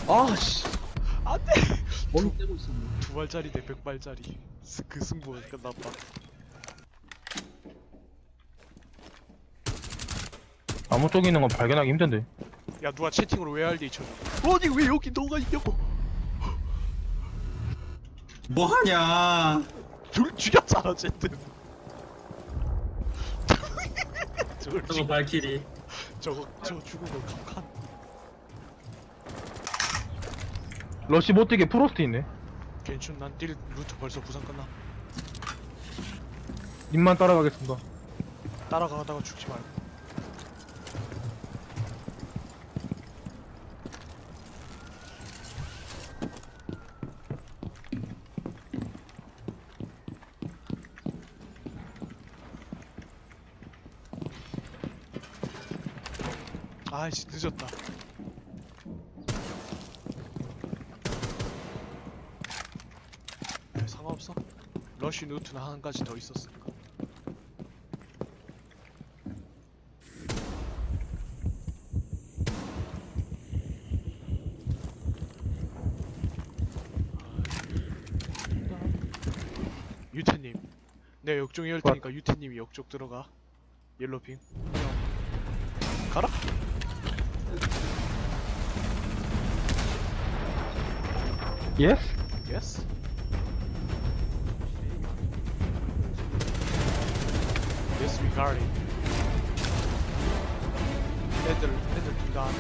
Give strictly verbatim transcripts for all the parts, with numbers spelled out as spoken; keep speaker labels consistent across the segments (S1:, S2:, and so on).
S1: 아씨
S2: 안돼.
S1: 머리 떼고 있었네.
S2: 두 발짜리 대 백 발짜리. 그 승부가 끝났다.
S3: 아무 쪽에 있는 건 발견하기 힘든데.
S2: 야 누가 채팅으로 왜 알디 쳐? 아니 왜 여기 너가 있냐고.
S4: 뭐하냐?
S2: 둘 죽였잖아 어쨌든. 저걸
S4: 저거
S2: 죽
S4: 발키리.
S2: 저거 저거 죽은 거 감칸.
S3: 러시 못 뛰게 프로스트 있네.
S2: 괜춘 난뛸 루트 벌써 부상 끝나.
S3: 님만 따라가겠습니다.
S2: 따라가다가 죽지 말고. 아이씨 늦었다. 네, 상관없어. 러쉬 루트는 한 가지 더 있었으니까. 유태님, 내가 역종이 열 테니까 유태님이 역쪽 들어가. 옐로핑. 가라.
S3: 예스?
S2: 예스. 예스 regarding. 애들 애들 둘 다.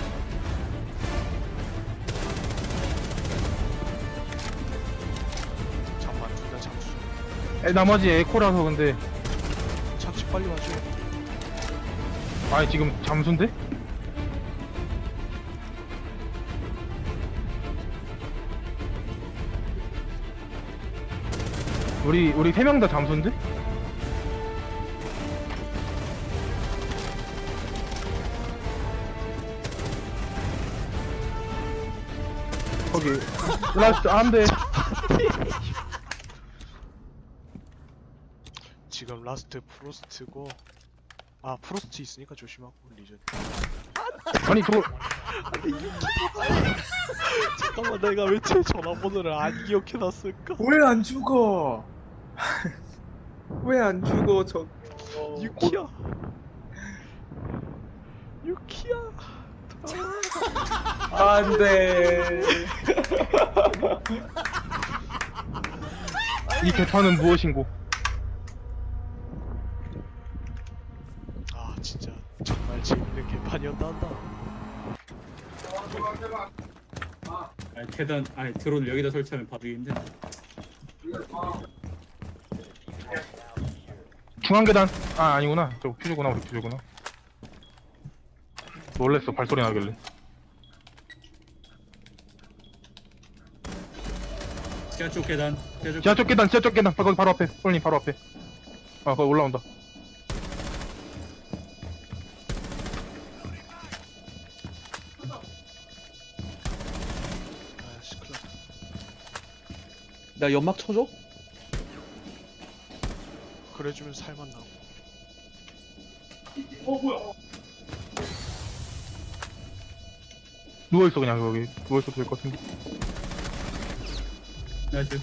S2: 잠만 둘 다 잠수.
S3: 에, 나머지 에코라서 근데.
S2: 잠시 빨리 와줘.
S3: 아니 지금 잠수인데? 우리 우리 세 명 다 잠수인데? 거기 라스트 안돼.
S2: 지금 라스트 프로스트고. 아 프로스트 있으니까 조심하고 리전.
S3: 아니 저거
S2: 잠깐만 내가 왜 제 전화번호를 안 기억해놨을까?
S1: 왜 안 죽어? 왜 안 죽어 저?
S2: 유키야. 유키야.
S1: 안돼.
S3: 이 개판은 무엇인고?
S2: 아 진짜 정말 재밌는 개판이었다 한다.
S4: 아니 계단 아니 드론 여기다 설치하면 봐주기 힘드네.
S3: 중앙 계단. 아 아니구나. 저 퓨즈구나. 우리 퓨즈구나. 놀랬어 발소리 나길래.
S4: 지하 쪽 계단. 지하 쪽
S3: 지하 쪽 계단, 지하 쪽 계단. 거기 바로 앞에. 폴님 바로 앞에. 아 거기 올라온다.
S2: 아씨 큰일 났다.
S1: 나 연막 쳐줘?
S2: 그래주면 살만 나고.
S3: 누워있어 그냥 거기. 누워있어도 될 것 같은데.
S4: 나이스.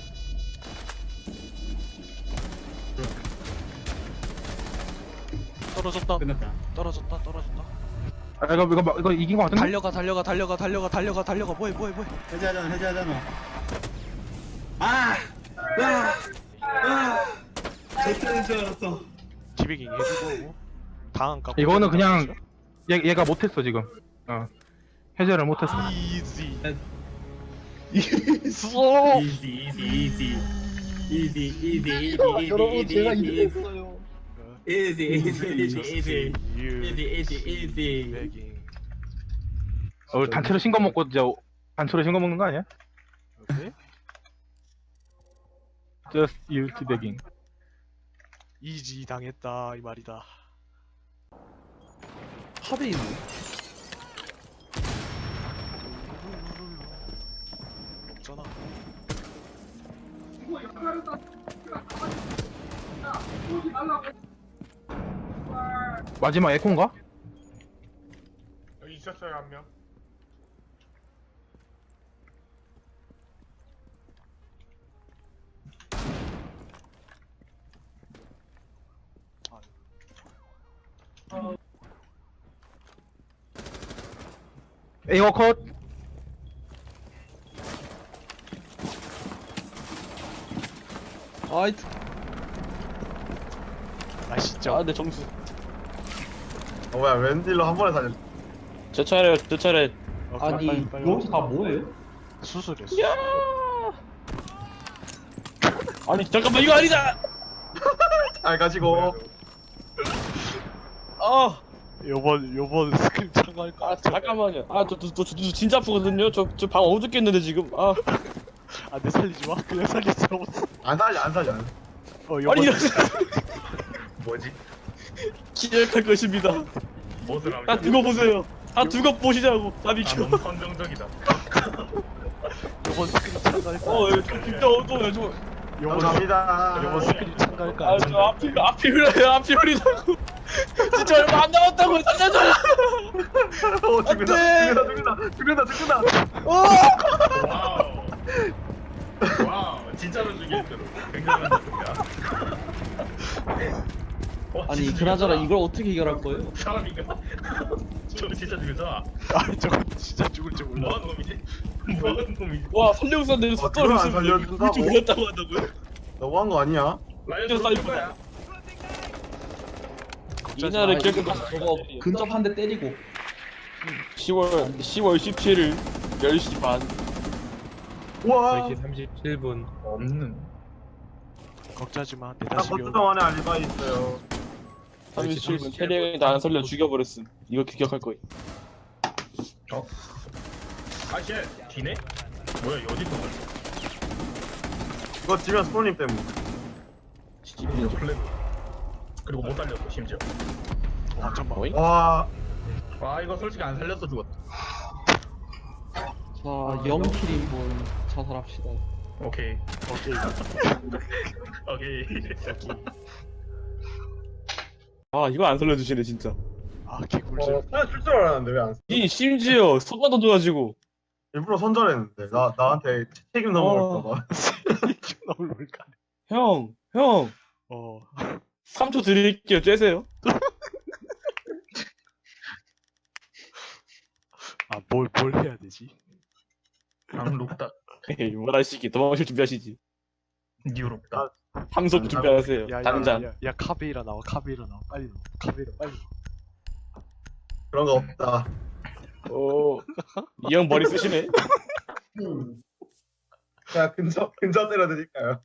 S2: 떨어졌다.
S4: 끝났다.
S2: 떨어졌다. 떨어졌다.
S3: 아 이거 이거 이거 이긴 것 같은데?
S2: 달려가 달려가 달려가 달려가 달려가 달려가 뭐해 뭐해 뭐해.
S4: 해제하잖아 해제하잖아. 아! 아! 아! 제트인 줄 알았어.
S2: 디베깅 해주고 당한 까.
S3: 이거는 그냥 얘 얘가 못했어 지금. 어 해제를 못했어.
S2: 이지.
S1: 있어.
S4: 이지 이지 이지 이지 이지 이지
S1: 여러분 제가
S4: 이지
S1: 이랬어요.
S4: 이지 이지 이지 이지
S2: 유.
S4: 이지 이지 이지.
S2: 디베깅.
S3: 어 단체로 신거 먹고 이제 단체로 신거 먹는 거 아니야?
S2: 오케이.
S3: Just use begging.
S2: 이지 당했다 이 말이다.
S1: 탑에 있네.
S2: 없잖아.
S3: 마지막 에코인가?
S2: 여기 있었어요 한 명.
S3: 에이워 컷.
S5: 아이,
S2: 아 진짜.
S5: 아, 내 점수.
S6: 어 뭐야 웬딜로 한 번에 살렸어.
S5: 제 차례, 제 차례.
S2: 어,
S7: 아니
S2: 빨리, 빨리,
S7: 이거
S2: 빨리.
S7: 다 뭐예요?
S2: 수술했어.
S5: 아니, 잠깐만, 이거 아니다!
S6: 잘 가지고.
S5: 아,
S2: 요번 요번 스크림 참가할까?
S5: 아, 잠깐만요. 아, 저, 저, 저, 저, 저 진짜 아프거든요? 저, 저 방 어둡겠는데, 지금. 아,
S2: 안돼 살리지 마. 그냥 살리지 마.
S6: 안 살려 안 살려. 안 살려.
S2: 어 요번
S5: 아니, 이런,
S6: 뭐지?
S5: 기억할 것입니다.
S6: 무엇을
S5: 다 두고 보세요. 다 두고 보시자고. 다 비켜.
S6: 선정적이다.
S2: 요번 스크림 참가할까?
S5: 어, 이거 진짜 어두워요, 저.
S2: 요번
S6: 감사합니다.
S2: 요번 스크림 참가할까?
S5: 아, 저 앞이, 앞이 흘러요, 앞이 흐리다고. 진짜 얼마 안 남았다고, 살려줘!
S6: 어 죽는다
S5: 안 돼!
S6: 죽는다 죽는다 죽는다 죽는다.
S5: 어!
S6: 와우. 와우 진짜로 죽일 줄. 굉장한 느낌이야. 어,
S7: 아니
S6: 진짜
S7: 그나저나
S6: 죽였다.
S7: 이걸 어떻게 해결할 거예요?
S6: 사람인가? 저거 진짜 죽였잖아.
S2: 아 저거 진짜 죽을지 몰라.
S6: 뭐하는 놈이지? 뭐하는 놈이지?
S5: 와, 살려고서는데
S6: 어,
S5: 속도를
S6: 그걸 안
S5: 쓰면
S6: 살려준다고?
S5: 물줄 몰랐다고 한다고요?
S6: 너무한 거 아니야?
S5: 진짜 사이퍼다. 이날을 기억해
S7: 저거 근접 한 대 때리고
S5: 시월 시월 십칠일 열 시 반.
S6: 와.
S8: 삼십칠 분.
S6: 없는.
S2: 걱정하지 마. 내
S6: 나
S2: 다시
S6: 버튼 안에 알리바이 있어요.
S5: 삼십칠 분 태령이 나 안 살려 죽여버렸음. 이거 기억할 거야.
S6: 아씨 뒤네? 뭐야 어디 있던 거지? 이거 지면 스포님 때문에. 플랜. 그리고 못 살렸어 심지어.
S2: 와 잠깐만.
S5: 어이?
S6: 와. 와 이거 솔직히 안 살렸어 죽었다.
S7: 자 영 킬인분 자살합시다.
S6: 오케이.
S2: 오케이.
S6: 오케이.
S5: 아, 이거 안 살려주시네 진짜.
S2: 아 개꿀잼.
S6: 어, 그냥 줄줄 알았는데 왜 안? 써?
S5: 이 심지어 손만 던져가지고.
S6: 일부러 선절했는데 나 나한테 책임 넘어갈까봐.
S2: 너무 뭘까?
S5: 형, 형,
S2: 어.
S5: 삼 초 드릴게요. 쬐세요.
S2: 아뭘 뭘 해야 되지?
S6: 강룩다.
S5: 에이, 뭘 하시기 도망칠 준비하시지.
S6: 뉴룩다.
S5: 함속 준비하세요.
S2: 야, 야,
S5: 당장.
S2: 야, 야, 야 카베이라 나와. 카베이라 나와. 빨리 나와. 카베이라 빨리 나와.
S6: 그런 거 없다.
S5: 오, 이 형 머리 쓰시네.
S6: 자 근접 근접 때려드릴까요?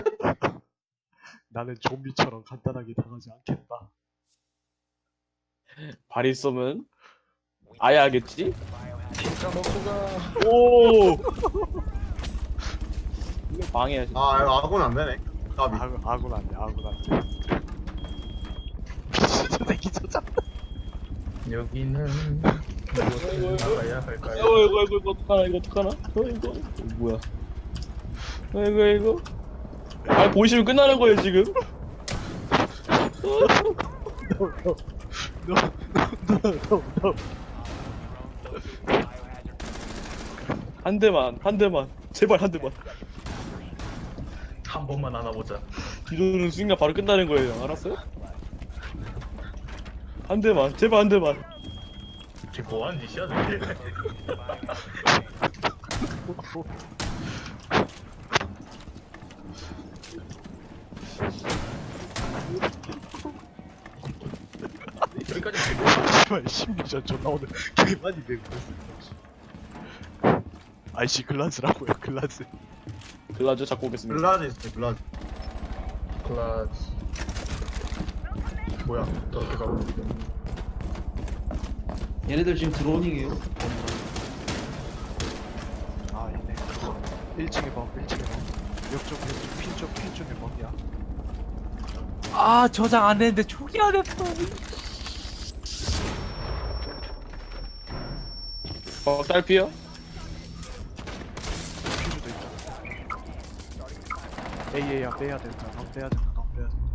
S2: 나는 좀비처럼 간단하게 당하지 않겠다.
S5: 발이 쏘면 아야 하겠지? 오. 이거 방해하지.
S6: 아 이거 아군 안 되네. 까비.
S2: 아군 아군 안 돼. 아군 안 돼. 미친 저 새끼 저자.
S6: 여기는 무엇을 나가야 할까요?
S5: 이거 이거 이거 이거 어떡하나 이거 어떡하나? 어 이거 이거 뭐야? 어 이거 이거. 아 보시면 끝나는 거예요 지금. 한 대만 한 대만 제발 한 대만.
S6: 한 번만 안아보자.
S5: 뒤도는 순간 바로 끝나는 거예요. 알았어요? 한 대만 제발 한 대만.
S6: 지금 뭐하는 짓이야 저게? 여기까지
S2: 씨발 십육 전 존나 오늘 개 많이 내고 있어. 아이씨 글라즈라고요. 글라즈.
S5: 글라즈 잡고 오겠습니다.
S6: 글라즈 있어 글라즈. 글라즈. 뭐야? 또 어떻게 가고 있어?
S7: 얘네들 지금 드로닝이에요.
S2: 아 있네. 일 층에 봐. 일 층에 봐. 옆쪽 옆쪽 핀쪽 핀 쪽에 뭐야?
S8: 아 저장 안 했는데 초기 안 했어.
S5: 어 딸피요?
S2: 퓨즈도 있다. 에이에이야 빼야 된다. 넌 빼야 된다. 넌 빼야 된다.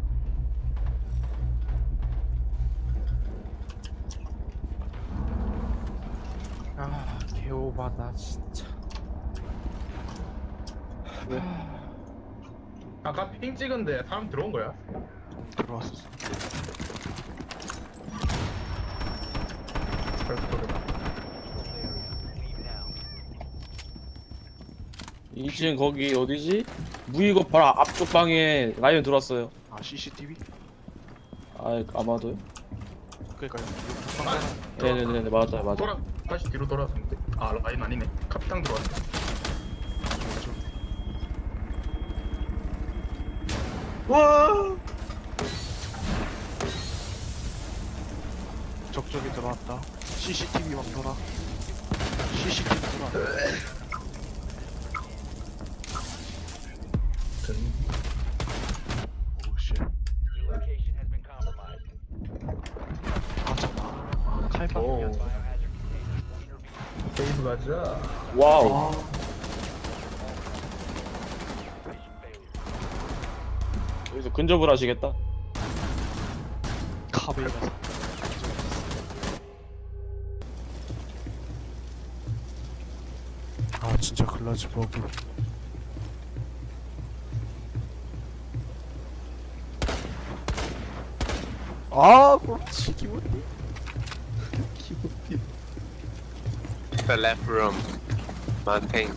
S8: 아 개오바다 진짜.
S6: 아까 핑 찍은데 사람 들어온 거야?
S2: 들어왔었어.
S5: 이 층 거기 어디지? 무이고 바로 앞쪽 방에 라이언 들어왔어요.
S2: 아 씨씨티비?
S5: 아 아마도요?
S2: 그러니까요.
S5: 네네네 맞아요 맞아.
S6: 돌아 다시 뒤로 돌아왔는데 아 라인 아니네 카피탕 들어왔네. 와
S2: 적적이 들어왔다. 씨씨티비 막 돌아. 씨씨티비 돌아. 오씨. 아 잠깐. 칼빵.
S6: 오. 세이브 가자.
S5: 와우. 여기서 근접을 하시겠다.
S2: 카베이라서. 아 진짜 글라즈 버그. 아 그렇지 기분이.
S9: The left room. Mountain.